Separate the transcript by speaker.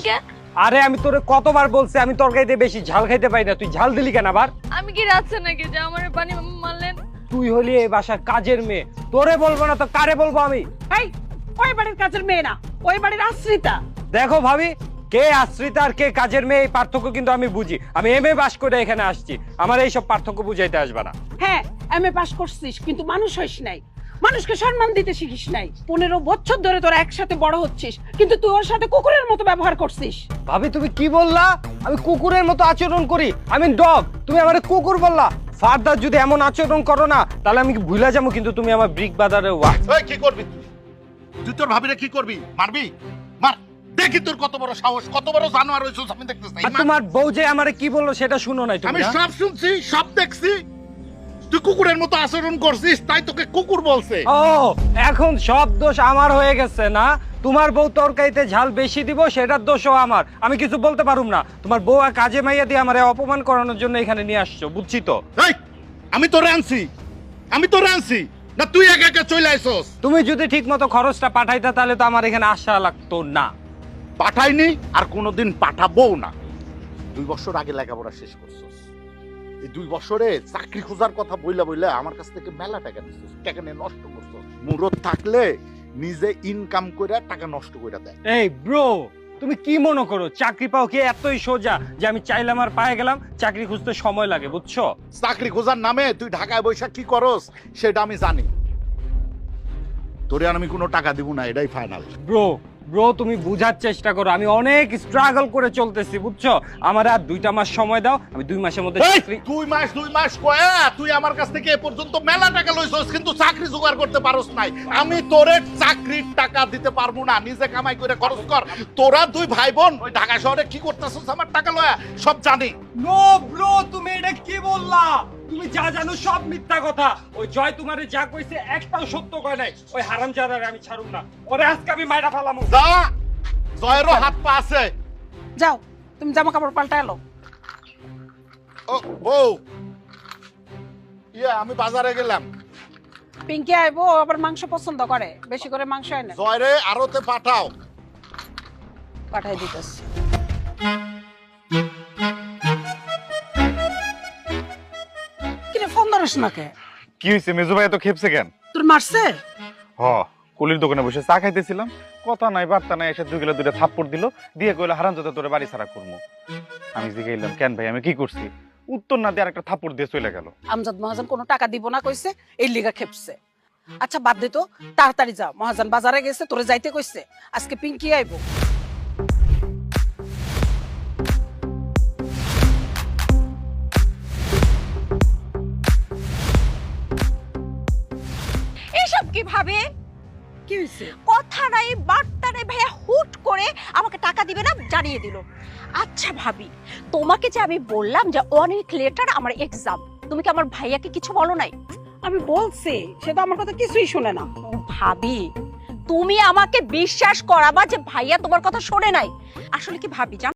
Speaker 1: কে?
Speaker 2: আরে আমি তোরে কতবার বলছি আমি তরকারিতে বেশি ঝাল খাইতে পাই না, তুই ঝাল দিলি কেন আবার?
Speaker 1: আমি কি রাখছে নাকি যে আমার পানি মারলেন?
Speaker 2: তুই হলি এই বাসার কাজের মেয়ে, তোরে বলবো না তো কারে বলবো আমি?
Speaker 3: এই ওই বাড়ির কাজের মেয়ে না, ওই বাড়ির আশ্রিতা।
Speaker 2: দেখো ভাবি, কে আশ্রিতা আর কে কাজের মেয়ে এই পার্থক্য কিন্তু আমি বুঝি। আমি এমএ পাস করে এখানে আসছি, আমার এইসব পার্থক্য বুঝাইতে আসবে না।
Speaker 3: হ্যাঁ এমএ পাস করছিস কিন্তু মানুষ হইস নাই, মানুষকে সম্মান দিতে শিখিস নাই। 15 বছর ধরে তোরা একসাথে বড় হচ্ছিস কিন্তু তুই ওর সাথে কুকুরের মতো ব্যবহার করছিস।
Speaker 2: ভাবি তুমি কি বললা? আমি কুকুরের মতো আচরণ করি? আমি ডগ, তুমি আমারে কুকুর বললা? ফার্দার যদি এমন আচরণ করো না তাহলে আমি ভুলে যাবো কিন্তু তুমি আমার ব্রিক বাজারে
Speaker 4: এই কি করবি তুই? তুই তোর ভাবিরে কি করবি? মারবি? মার, দেখি তোর কত বড় সাহস, কত বড় জানোয়ার হইছস আমি দেখতেছি।
Speaker 2: আর তোমার বউ যে আমারে কি বললো সেটা শুনো নাই তুমি?
Speaker 4: আমি
Speaker 2: না?
Speaker 4: সব শুনছি, সব দেখছি। তুই কুকুরের মতো আচরণ করছিস তাই তোকে কুকুর বলছে।
Speaker 2: ও এখন সব দোষ আমার হয়ে গেছে না? তোমার বউ তরকারিতে ঝাল বেশি দিব সেটার দোষও আমার, আমি কিছু বলতে পারুম না। তোমার বউ আর কাজে মাইয়া দিয়ে আমারে অপমান করানোর জন্য এখানে নিয়ে আসছো, বুঝছি তো।
Speaker 4: এই আমি তোরে আনছি, আমি তোরে আনছি না তুই একা একা চলে আইছস?
Speaker 2: তুমি যদি ঠিক মতো খরচটা পাঠাইতা তাহলে তো আমার এখানে আসা লাগতো না।
Speaker 4: পাঠাইনি আর কোনোদিন পাঠাবো না। 2 বছর আগে লেখাপড়া শেষ করছস, এই 2 বছরে চাকরি খোঁজার কথা বইলা বইলা আমার কাছ থেকে মেলা টাকা নিছিস, টাকা নিয়ে নষ্ট করছস। মুরত থাকলে নিজে ইনকাম কইরা টাকা নষ্ট কইরা দেয়।
Speaker 2: এই ব্রো, তুমি কি মনে করো চাকরি পাও কি এতই সোজা যে আমি চাইলাম আর পায়ে গেলাম? চাকরি খুঁজতে সময় লাগে, বুঝছো?
Speaker 4: চাকরি খোঁজার নামে তুই ঢাকায় বৈশাখ কি করস সেটা আমি জানি। তোরে আর আমি কোনো টাকা দিব না, এটাই ফাইনাল।
Speaker 2: ব্রো ব্রো তুমি বুঝার চেষ্টা করো, আমি অনেক স্ট্রাগল করে চলতেছি, বুঝছো? আমার আর 2টা মাস সময় দাও, আমি 2 মাসের মধ্যে চাকরি।
Speaker 4: 2 মাস কয়া তুই আমার কাছ থেকে এ পর্যন্ত মেলা টাকা লইছস কিন্তু চাকরি জোগাড় করতে পারস নাই। আমি তোরে চাকরির টাকা দিতে পারবো না, নিজে কামাই করে খরচ কর। তোরা 2 ভাই বোন ওই ঢাকা শহরে কি করতেছস আমার টাকা লয়া সব জানি।
Speaker 2: নো ব্রো, তুমি এটা কি বললা? তুমি যা জানো সব মিথ্যা কথা। ওই জয় তোমারে যা কইছে একটাও সত্য কয় নাই। ওই হারামজাদারে আমি ছাড়ুম না, ওরে আজকে আমি মাইরা ফেলামু।
Speaker 4: যা, জয়েরও হাত পা আছে।
Speaker 3: যাও তুমি জামা কাপড় পাল্টা এলো।
Speaker 4: ও বউ, আমি বাজারে গেলাম।
Speaker 3: পিঙ্কি আইবো, আবার মাংস পছন্দ করে, বেশি করে মাংস এনে
Speaker 4: জয়রে আরতে পাঠাও।
Speaker 3: পাঠাই দিতেছি। কিরে ফোন ধরিস না কে?
Speaker 5: কি হয়েছে? মেজো ভাই এত খেপছে কেন?
Speaker 3: তোর মারছে?
Speaker 5: হ, কুলির দোকানে বসে চা খাইতেছিলাম, কথা নাই বার্তা নাই, এসে 2 থাপ্পড় দিল, দিয়ে কইলো হারামজাদা তোরে বাড়ি ছাড়া করবো। আমি জিগাইলাম কেন ভাই আমি কি করছি? উত্তর না দিয়ে আরেকটা থাপ্পড় দিয়ে চলে গেল।
Speaker 3: আমজাদ মহাজন কোনো টাকা দিব না কইছে, এই লিগা খেপছে। আচ্ছা বাদ দে তো, তাড়াতাড়ি যা, মহাজন বাজারে গেছে, তোরে যাইতে কইছে। আজকে পিঙ্কি আইবো।
Speaker 6: এসব কি ভাবে?
Speaker 3: কি হইছে?
Speaker 6: কথা নাই বার্তা নাই, ভাইয়া হুট করে আমাকে টাকা দিবে না জানিয়ে দিল। আচ্ছা ভাবি, তোমাকে যে আমি বললাম যে 1 উইক লেটার আমার এক্সাম, তুমি কি আমার ভাইয়াকে কিছু বলো নাই?
Speaker 3: আমি বলছি, সে তো আমার কথা কিছুই শুনে না।
Speaker 6: ভাবি, তুমি আমাকে বিশ্বাস করাবা যে ভাইয়া তোমার কথা শোনে নাই? আসলে কি ভাবি জান